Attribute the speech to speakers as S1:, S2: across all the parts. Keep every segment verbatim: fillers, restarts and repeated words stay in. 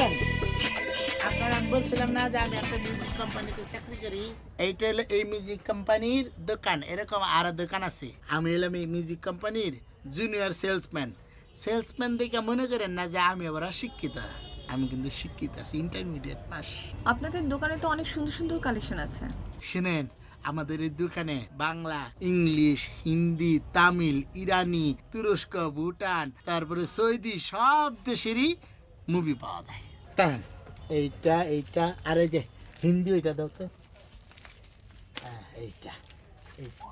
S1: শুনেন, আপনার আমি বলছিলাম না যে আমি একটা মিউজিক কোম্পানিতে চাকরি করি। এইটা হলো এই মিউজিক কোম্পানির দোকান। এরকম আরো দোকান আছে। আমি হলাম এই মিউজিক কোম্পানির জুনিয়র সেলসম্যান। সেলসম্যান দেখে মনে করেন না যে আমি আবার অশিক্ষিত। আমি কিন্তু শিক্ষিত আছি, ইন্টারমিডিয়েট পাস।
S2: আপনাদের দোকানে তো অনেক সুন্দর সুন্দর কালেকশন আছে।
S1: শুনেন, আমাদের এই দোকানে বাংলা, ইংলিশ, হিন্দি, তামিল, ইরানি, তুরস্ক, ভুটান, তারপরে সৌদি সব দেশেরই মুভি পাওয়া যায়। তাই এইটা এইটা আর এই যে হিন্দি ওইটা দাও তো। হ্যাঁ এইটা এই যে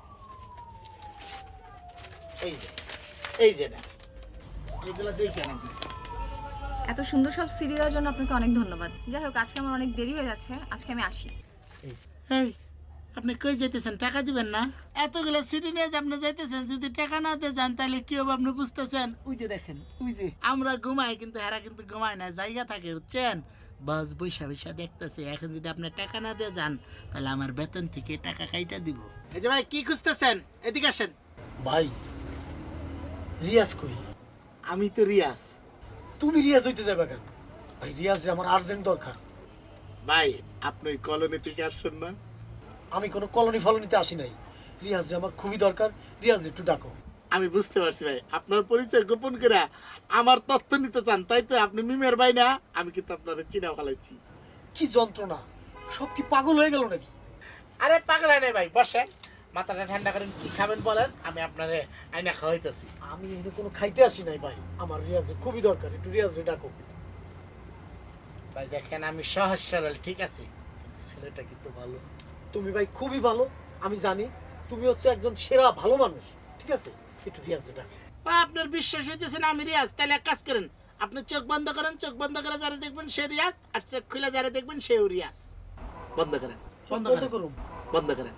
S1: এই যে এই যে না এগুলো দেখেন আপনি।
S2: এত সুন্দর সব সিডি দেওয়ার জন্য আপনাকে অনেক ধন্যবাদ। যাই হোক, আজকে আমার অনেক দেরি হয়ে যাচ্ছে, আজকে আমি আসি।
S1: এই আপনি কই যেতেছেন? টাকা দিবেন না? এতগুলো সিটি নিয়ে যে আপনি যাইতেছেন, যদি টাকা না দিয়ে যান তাহলে কি হবে আপনি বুঝতেছেন? ওই যে দেখেন, ওই যে আমরা ঘুমাই কিন্তু হেরা কিন্তু ঘুমায় না, জায়গা থাকে, বুঝছেন? বাস বৈশা বৈশা দেখতেছে। এখন যদি আপনি টাকা না দিয়ে যান তাহলে আমার বেতন থেকে টাকা কাইটা দিব। এই যে ভাই কি খুঁজতেছেন? এদিকে আসেন।
S3: ভাই রিয়াজ কই?
S1: আমি তো রিয়াজ।
S3: তুমি রিয়াজ হইতে যাবে কেন? ভাই রিয়াজ রে আমার আর্জেন্ট দরকার।
S1: ভাই আপনি ওই কলোনি থেকে আসছেন না?
S3: আমি কোনো কলোনি ফলনিতে আসি নাই। রিয়াজ রে আমার খুবই দরকার। রিয়াজ একটু ডাকো।
S1: আমি বুঝতে পারছি ভাই, আপনার পরিচয় গোপন করে আমার তথ্য নিতে চান, তাই তো? আপনি মিমের ভাই না? আমি কিন্তু আপনার চিনা ফেলাইছি।
S3: কি যন্ত্রণা, সব কি পাগল হয়ে গেল নাকি?
S1: আরে পাগলা নেই ভাই, বসেন, মাথাটা ঠান্ডা করেন। কি খাবেন বলেন, আমি আপনারে আইনা খাওয়াইতেছি।
S3: আমি এখানে কোনো খাইতে আসি নাই ভাই, আমার রিয়াজ রে খুবই দরকার। একটু রিয়াজ রে ডাকো।
S1: ভাই দেখেন, আমি সহজ সরল, ঠিক আছে, কিন্তু ছেলেটা কিন্তু ভালো।
S3: তুমি ভাই খুবই ভালো, আমি জানি। তুমি হচ্ছে একজন সেরা ভালো মানুষ, ঠিক আছে? একটু রিয়াজ রে ডাকো।
S1: আপনার বিশ্বাস হইতেছে না আমি রিয়াজ? তাহলে এক কাজ করেন, আপনি চোখ বন্ধ করেন। চোখ বন্ধ করে যারা দেখবেন সে রিয়াজ, আর চোখ খুলে যারা দেখবেন সেও রিয়াজ। বন্ধ করেন, বন্ধ
S3: বন্ধ
S1: করেন,
S3: করুন।
S1: বন্ধ করেন।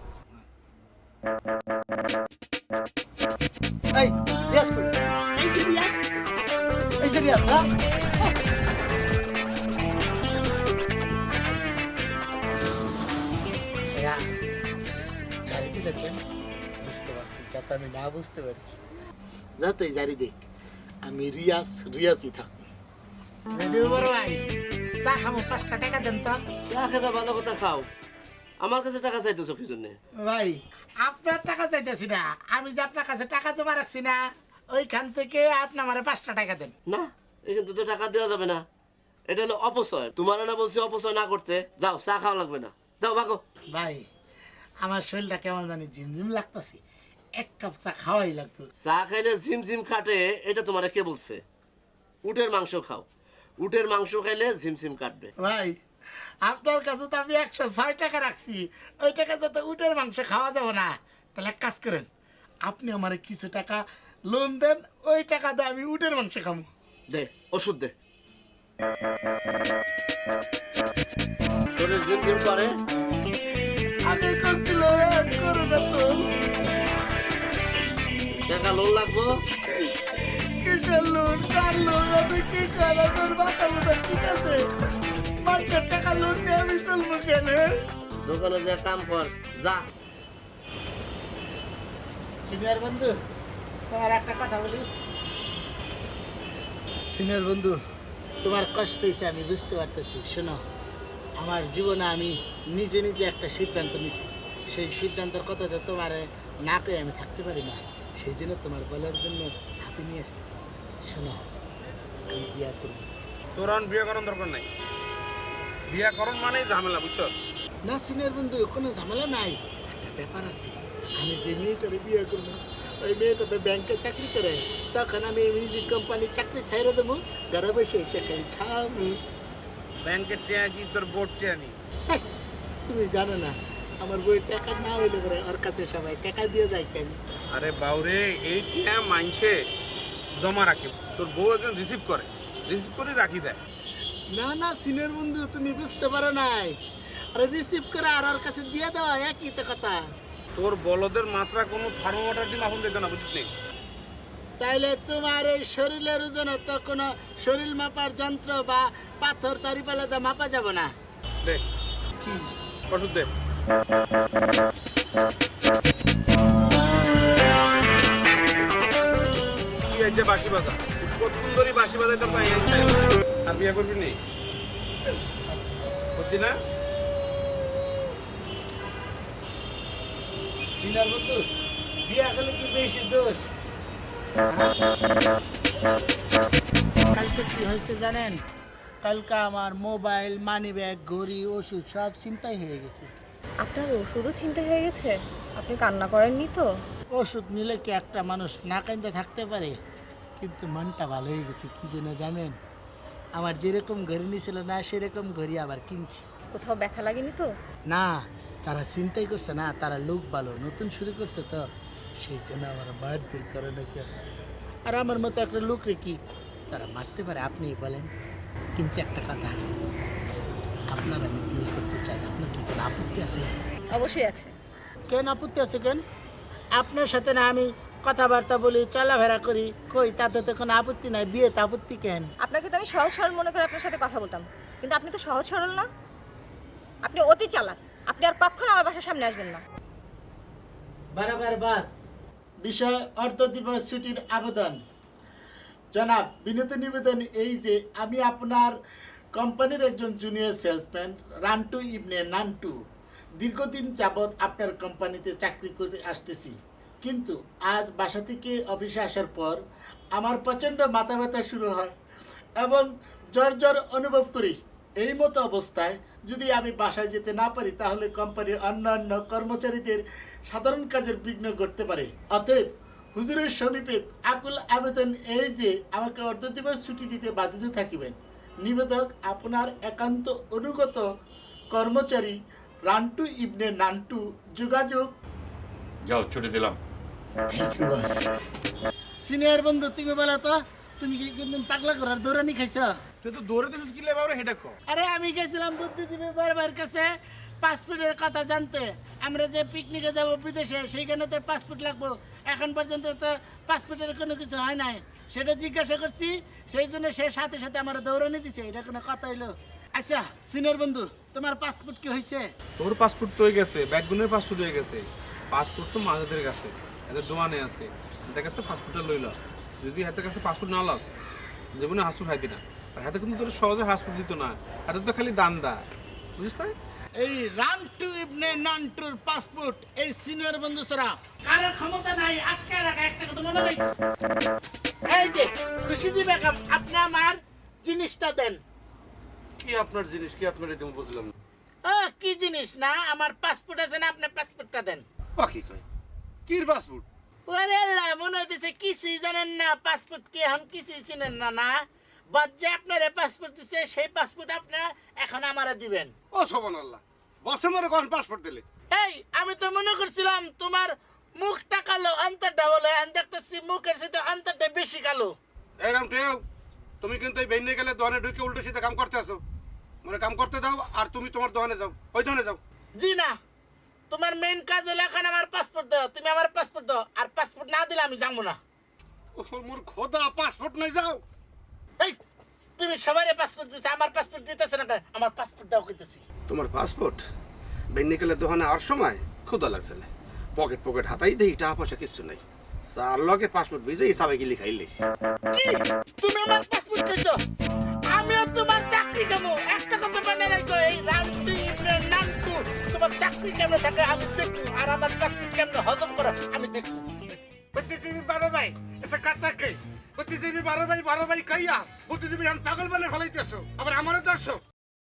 S3: এই রিয়াজ কই?
S1: এই যে রিয়াজ।
S3: এই যে রিয়াজ না?
S1: এরা জারি দিল কেন? বুঝতে পারছি, যাতে আমি না বুঝতে পারি। যাতে জারি দেখ আমি রিয়াজ রিয়াজই থাকবো। রেডি বড় ভাই, চা খাবো, পাঁচটা টাকা দেন তো।
S4: চা খেবা ভালো কথা খাও, আমার কাছে টাকা চাইতেছো কি জন্য?
S1: ভাই আপনার টাকা চাইতেছি না, আমি যে আপনার কাছে টাকা জমা রাখছি না, ওইখান থেকে আপনি আমার পাঁচটা টাকা দেন।
S4: না, এখান তো টাকা দেওয়া যাবে না, এটা হলো অপচয়। তোমার না বলছি অপচয় না করতে। যাও, চা খাওয়া লাগবে না, যাও ভাগো।
S1: ভাই আমার শরীরটা কেমন জানি ঝিমঝিম লাগতেছে, এক কাপ চা খাওয়াই লাগতো।
S4: চা খাইলে ঝিমঝিম কাটে এটা তোমার কে বলছে? উটের মাংস খাও, উটের মাংস খাইলে ঝিমঝিম কাটবে।
S1: ভাই আপনার কাছে তো আমি একশো ছয় টাকা রাখছি, ওই টাকা তো উটের মাংস খাওয়া যাবে না। তাহলে এক কাজ করেন, আপনি আমার কিছু টাকা লোন দেন, ওই টাকা দিয়ে আমি উটের মাংস খাবো।
S4: দে ওষুধ দে। শরীর ঝিমঝিম করে,
S1: আগে করছিলাম, করে না তো।
S4: টাকা লোন লাগবো।
S1: কিসের লোন, কার লোন, আমি কি করা? তোর মাথা মতো ঠিক আছে? মানুষের টাকা লোন নিয়ে আমি চলবো কেন?
S4: দোকানে যা কাম কর, যা।
S1: সিনিয়র বন্ধু, তোমার একটা কথা বলি। সিনিয়র বন্ধু, তোমার কষ্ট হয়েছে আমি বুঝতে পারতেছি। শোনো, আমার জীবনে আমি নিজে নিজে একটা সিদ্ধান্ত নিছি। সেই সিদ্ধান্তের কথা তো তোমার না পেয়ে আমি থাকতে পারি না, সেই জন্য তোমার বলার জন্য সাথে নিয়ে এসছি। শোনো, আমি বিয়া করব।
S5: তোর আর বিয়ে করার দরকার নাই। বিয়ে করন মানে ঝামেলা, বুঝছো?
S1: না সিনিয়র বন্ধু, কোনো ঝামেলা নাই। একটা ব্যাপার আছে, আমি যে মেয়েটারে বিয়ে করবো ওই মেয়েটা তো ব্যাংকে চাকরি করে। তখন আমি এই মিউজিক কোম্পানির চাকরি ছেড়ে দেবো, ঘরে বসে এসে খাই খাবো।
S5: ব্যাংকের টিয়া কি তোর বোর্ড টিয়া নি?
S1: হেই, তুমি জানো না আমার বইয়ের টাকা না হইলে পরে ওর কাছে সবাই টাকা দিয়ে যায় কেন?
S5: আরে বাউরে, এই টিয়া মাইনছে জমা রাখে, তোর বউ একজন রিসিভ করে, রিসিভ করে রাখি দেয়।
S1: না না সিনিয়র বন্ধু, তুমি বুঝতে পারো নাই। আরে রিসিভ করে আর ওর কাছে দিয়ে দেওয়া একই তো কথা।
S5: তোর বলদের মাত্রা কোনো থার্মোমিটার দিয়ে মাপুন দিত না, বুঝলি?
S1: তাইলে তোমার এই শরীরের ওজন তো কোনো শরীর মাপার যন্ত্র বা পাথর দাড়িপাল্লাতে মাপা যাবে না।
S5: দে
S1: কি
S5: ওষুধ দে। কি হয়েছে বাঁশি বাজা? কতক্ষণ ধরে বাঁশি বাজাই তোর পাই আর বিয়ে করবি নি? সত্যি না?
S1: সিনার বন্ধু বিয়া করলে কি বেশি দোষ? কালকে কি হয়েছে জানেন? কালকে আমার মোবাইল, মানি ব্যাগ, ঘড়ি, ওষুধ সব চিন্তাই হয়ে গেছে।
S2: আপনার ওষুধও চিন্তা হয়ে গেছে? আপনি কান্না করেননি তো?
S1: ওষুধ নিলে কি একটা মানুষ না কান্দে থাকতে পারে? কিন্তু মনটা ভালো হয়ে গেছে কি জন্য জানেন? আমার যেরকম ঘড়ি নিছিল না সেরকম ঘড়ি আবার কিনছি।
S2: কোথাও ব্যথা লাগেনি তো?
S1: না, যারা চিন্তাই করছে না তারা লোক ভালো, নতুন শুরু করছে তো সেই জন্য আমার মারধর করে নাকি। আর আমার মতো একটা লোক রে কি তারা মারতে পারে আপনি বলেন? কিন্তু একটা কথা, আপনার আমি বিয়ে করতে চাই, আপনার কি কোনো আপত্তি আছে?
S2: অবশ্যই আছে।
S1: কেন আপত্তি আছে কেন? আপনার সাথে না আমি কথাবার্তা বলি, চলাফেরা করি, কই তাতে তো কোনো আপত্তি নাই, বিয়েতে আপত্তি কেন?
S2: আপনাকে তো আমি সহজ সরল মনে করে আপনার সাথে কথা বলতাম, কিন্তু আপনি তো সহজ সরল না, আপনি অতি চালাক। আপনি আর কখনো আমার বাসার সামনে আসবেন না।
S1: বারবার বাস বিষয় অর্ধ দিবস ছুটির আবেদন। জনাব, বিনীত নিবেদন এই যে আমি আপনার কোম্পানির একজন জুনিয়র সেলসম্যান রান্টু ইবনে নান্টু দীর্ঘদিন যাবৎ আপনার কোম্পানিতে চাকরি করে আসতেছি, কিন্তু আজ বাসা থেকে অফিসে আসার পর আমার প্রচণ্ড মাথা ব্যথা শুরু হয় এবং জ্বর জ্বর অনুভব করি। এই মতো অবস্থায় যদি আমি বাসায় যেতে না পারি তাহলে কোম্পানির অন্যান্য কর্মচারীদের সাধারণ কাজের বিঘ্ন ঘটতে পারে। অতএব হুজুরের সমীপে আকুল আবেদন এই যে আমাকে অর্ধ দিবস ছুটি দিতে বাধিত থাকিবেন। নিবেদক আপনার একান্ত অনুগত কর্মচারী রান্টু ইবনে নান্টু। যোগাযোগ।
S6: যাও ছুটি দিলাম।
S1: Thank you boss. সিনিয়র বন্ধু তুমি বলো তো, তুমি কি কিন্তু পাগলা করার দৌড়ানি খাইছো?
S5: তুই তো দৌড়ে দিছিস কি লে বাবা, হেডা কর।
S1: আরে আমি গেছিলাম বুদ্ধিজীবী বাবার কাছে পাসপোর্টের কথা জানতে। আমরা যে পিকনিকে যাব বিদেশে সেইখানে তো পাসপোর্ট লাগবো, এখন পর্যন্ত তো পাসপোর্টের কোনো কিছু হয় নাই, সেটা জিজ্ঞাসা করছি, সেই জন্য সে সাথে সাথে আমার দৌড়ানি দিছে। এটা কোনো কথা হইলো? আচ্ছা সিনিয়র বন্ধু, তোমার পাসপোর্ট কি হয়েছে?
S5: তোর পাসপোর্ট তো হয়ে গেছে, ব্যাকগুনের পাসপোর্ট হয়ে গেছে। পাসপোর্ট তো মাঝেদের কাছে, এদের দোয়ানে আছে, এদের কাছে পাসপোর্টটা লইল। যদি হাতের কাছে পাসপোর্ট না লস, জীবনে হাসপুট খাইতি না। আর হাতে কিন্তু তোর সহজে হাসপুট দিত না, হাতে তো খালি দান্দা, বুঝিস তাই?
S1: এই রান্টু ইবনে নান্টুর পাসপোর্ট এই সিনিয়র বন্ধু ছাড়া কারো ক্ষমতা নাই আটকে রাখা। একটা কথা মনে রাখো, এই যে খুশি দিবে, আপনি আমার জিনিসটা দেন।
S4: কি আপনার জিনিস, কি আপনার এতে বুঝলাম না।
S1: ও কি জিনিস না, আমার পাসপোর্ট আছে না, আপনার পাসপোর্টটা দেন।
S4: বাকি কয় কির পাসপোর্ট?
S1: ওরে আল্লাহ, মনে হইতেছে কিছুই জানেন না, পাসপোর্ট কি এখন কিছুই চিনেন না। না বজ্জে আপনার পাসপোর্ট দিছে, সেই পাসপোর্ট আপনার এখন আমারে দিবেন।
S7: ও সুবহানাল্লাহ, বসে মরে কোন পাসপোর্ট দিলে?
S1: এই আমি তো মনে করছিলাম তোমার মুখটা কালো অন্তরটা বলে, আমি দেখতেছি মুখের সাথে অন্তরটা বেশি কালো।
S7: এই রাম টেও, তুমি কিন্তু এই বেইনে গেলে দোকানে ঢুকে উল্টো সিধা কাম করতে আসো। মানে কাম করতে দাও, আর তুমি তোমার দোকানে যাও, ওই দোকানে যাও।
S1: জি না, তোমার মেইন কাজ হলো এখন আমার পাসপোর্ট দাও, তুমি আমার পাসপোর্ট দাও, আর পাসপোর্ট না দিলে আমি যাবো না।
S7: ও মোর খোদা, পাসপোর্ট নাই যাও।
S1: এই তুমি সবারই পাসপোর্ট দিতে, আমার পাসপোর্ট দিতেছ না কেন? আমার পাসপোর্ট দাও কইতেছি।
S7: তোমার পাসপোর্ট বেইনে গেলে দোকানে আর সময় ক্ষুদা লাগছে না, পকেট পকেট হাতাই দেই, টাকা পয়সা কিচ্ছু নাই, তার লগে পাসপোর্ট ভিজে হিসাবে গিলি খাইলেছি।
S1: কি তুমি আমার পাসপোর্ট দিছো? আমিও তোমার চাকরি কেমন একটা কথা মনে রাখো, এই রান্টু ইবনে নান্টু তোমার চাকরি কেমন থাকে আমি দেখবো, আর আমার পাসপোর্ট কেমন হজম করো আমি দেখবো।
S7: বুদ্ধিজীবী বারো ভাই, এটা কাটা কে? বুদ্ধিজীবী বারো ভাই বারো ভাই কাইয়া বুদ্ধিজীবী পাগল বানিয়ে ফেলাইতেছো, আবার আমারও দর্শক।